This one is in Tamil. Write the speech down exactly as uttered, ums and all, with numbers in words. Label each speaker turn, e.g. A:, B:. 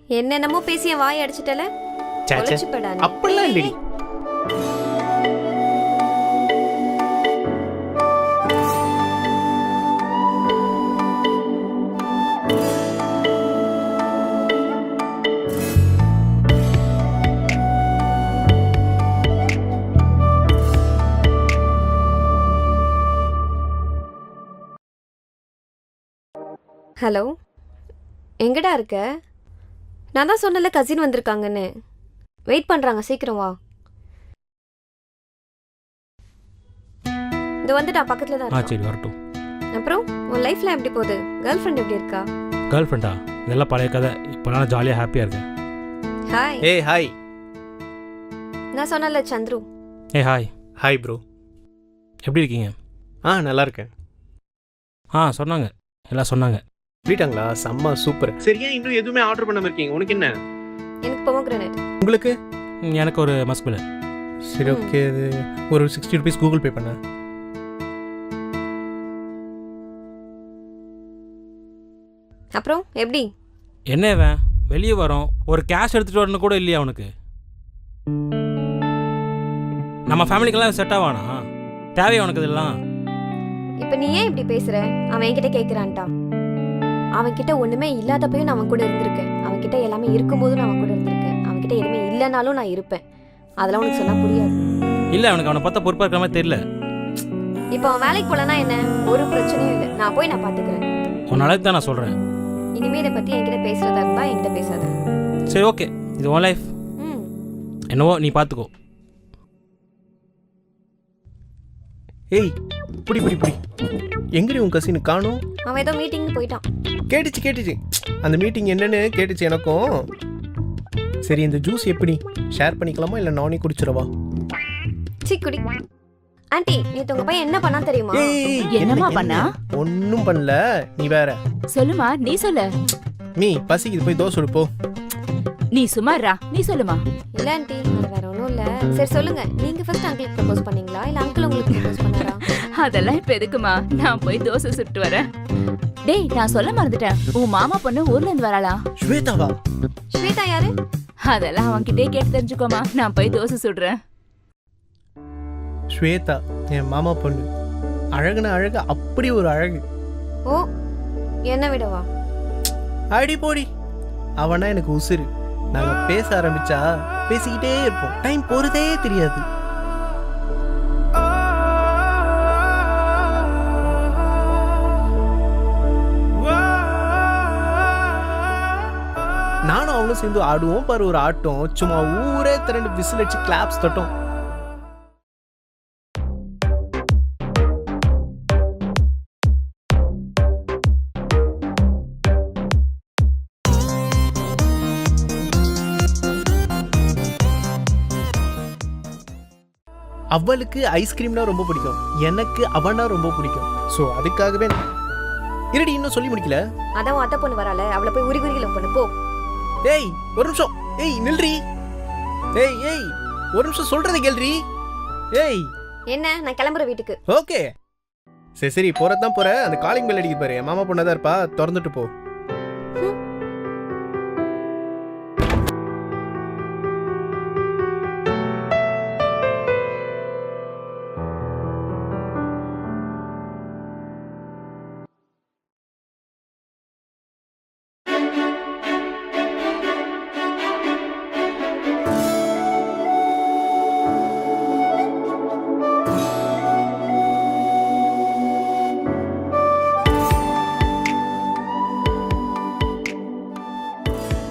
A: என்னென்னமோ பேசிய வாய் அடிச்சிட்டல.
B: அப்படிலாம் இல்லடி.
A: ஹலோ, எங்கடா இருக்க? நான் தான் சொன்னல கசின் வந்திருக்காங்கன்னு. வெயிட் பண்ணுறாங்க, சீக்கிரம் வா. இது வந்துட்டா பக்கத்தில் தான்.
C: ஆ சரி வரட்டும்.
A: அப்புறம் உன் லைஃப்ல எப்படி போகுது? கேர்ள் ஃப்ரெண்ட் எப்படி இருக்கா?
C: கேர்ள் ஃப்ரெண்டா? இதெல்லாம் பழைய கதை. இப்போ நான் ஜாலியாக ஹாப்பியாக இருக்கேன்.
A: ஹாய்.
B: ஏய் ஹாய்.
A: நான் சொன்னல சந்துரு.
C: ஏ ஹாய்.
B: Hi bro.
C: எப்படி இருக்கீங்க?
B: ஆ நல்லா இருக்கேன்.
C: ஆ சொன்னாங்க, எல்லாம் சொன்னாங்க.
B: சொல்லிட்டாங்களா? செம்ம சூப்பர். சரி, ஏன் இன்னும் எதுவுமே ஆர்டர் பண்ணாம இருக்கீங்க? உனக்கு என்ன?
A: எனக்கு பொமோகிரானேட்.
B: உங்களுக்கு?
C: எனக்கு ஒரு மஸ்குல.
B: சரி ஓகே, இது ஒரு சிக்ஸ்டி ருபீஸ் கூகுள் பே பண்ண.
A: அப்புறம் எப்படி?
C: என்ன இவன் வெளியே வரோம், ஒரு கேஷ் எடுத்துகிட்டு வரணும் கூட இல்லையா அவனுக்கு? நம்ம ஃபேமிலிக்கெல்லாம் செட் ஆவானா? தேவையா உனக்கு இதெல்லாம்?
A: இப்போ நீ ஏன் இப்படி பேசுற? அவன் என்கிட்ட கேட்குறான்ட்டா. அவன்கிட்ட ஒன்றுமே இல்லாதப்பையும் நான் அவன் கூட இருந்திருக்கேன். அவன்கிட்ட எல்லாமே இருக்கும்போதும் நான் அவன் கூட இருந்திருக்கேன். அவன்கிட்ட எதுவுமே இல்லைனாலும் நான் இருப்பேன். அதெல்லாம் உனக்கு சொன்னால் புரியாது.
C: இல்லை, அவனுக்கு அவனை பார்த்தா பொறுப்பாக இருக்கிற மாதிரி தெரியல.
A: இப்போ அவன் வேலைக்கு போகலன்னா என்ன? ஒரு பிரச்சனையும் இல்லை, நான் போய் நான் பார்த்துக்கிறேன்.
C: உன் நாளைக்கு தான் நான் சொல்கிறேன்.
A: இனிமே இதை பற்றி என்கிட்ட பேசுறதா இருந்தா என்கிட்ட பேசாத.
C: சரி ஓகே, இது உன் லைஃப்.
A: ம்
C: என்னவோ நீ பார்த்துக்கோ.
B: ஏய் புடி புடி புடி. எங்கடி உன் கசின் காணோம்?
A: அவன் ஏதோ மீட்டிங்னு போயிட்டான்.
B: கேட்டுச்சு கேட்டுச்சு அந்த மீட்டிங் என்னன்னு கேட்டுச்சு எனக்கும். சரி, இந்த ஜூஸ் எப்படி ஷேர் பண்ணிக்கலாமா இல்லை நானே குடிச்சிடவா?
A: சி குடி. ஆண்டி, நேத்து உங்க பையன் என்ன பண்ணா தெரியுமா?
D: என்னமா பண்ணா?
B: ஒன்னும் பண்ணல, நீ வேற.
D: சொல்லுமா, நீ சொல்லு.
B: நீ பசிக்குது, போய் தோசை சுடு போ.
D: நீ சும்மாறா, நீ சொல்லுமா.
A: இல்ல ஆண்டி, அது வேற ஒண்ணும் இல்ல. சரி சொல்லுங்க, நீங்க ஃபர்ஸ்ட் அங்கிளுக்கு ப்ரோபோஸ் பண்ணீங்களா இல்ல அங்கிள் உங்களுக்கு ப்ரோபோஸ் பண்ணாரா?
D: அதெல்லாம் இப்ப எதுக்குமா, நான் போய் தோசை சுட்டு வரேன். டேய், நான் சொல்ல மறந்துட்டேன், உன் மாமா பொண்ணு ஊர்ல இருந்து வராளா?
B: ஸ்வேதாவா?
A: ஸ்வேதா யாரு?
D: அதெல்லாம் அவன்கிட்டே கேட்டு தெரிஞ்சுக்கோமா, நான் போய் தோசை சுடுறேன்.
B: ஸ்வேதா என் மாமா பொண்ணு. அழகுன அழகு, அப்படி ஒரு அழகு.
A: ஓ, என்ன விடவா?
B: அடி போடி. அவனா எனக்கு உசுரு. நாங்க பேச ஆரம்பிச்சா பேசிக்கிட்டே இருப்போம், டைம் போறதே தெரியாது. நானும் அவனும் சேர்ந்து ஆடுவோம் பாரு ஒரு ஆட்டம். சும்மா ஊரே திரண்டு விசில் அடிச்சு கிளாப்ஸ் தட்டும். அவளுக்கு ஐஸ்கிரீம்னா ரொம்ப பிடிக்கும், எனக்கு அவனா ரொம்ப பிடிக்கும். ஸோ அதுக்காகவே இருடி, இன்னும் சொல்லி முடிக்கல.
A: அதான் அத்தை பொண்ணு வரால, அவளை போய் உரி உரியில பொண்ணு போ.
B: ஏய் ஒரு நிமிஷம். ஏய் நில்றி. ஏய் ஏய் ஒரு நிமிஷம் சொல்றதை கேள்றி. ஏய்
A: என்ன, நான் கிளம்புற வீட்டுக்கு.
B: ஓகே சரி சரி, போறதான் போற. அந்த காலிங் பெல் அடிக்க பாரு, என் மாமா பொண்ணாதான் இருப்பா, திறந்துட்டு போ.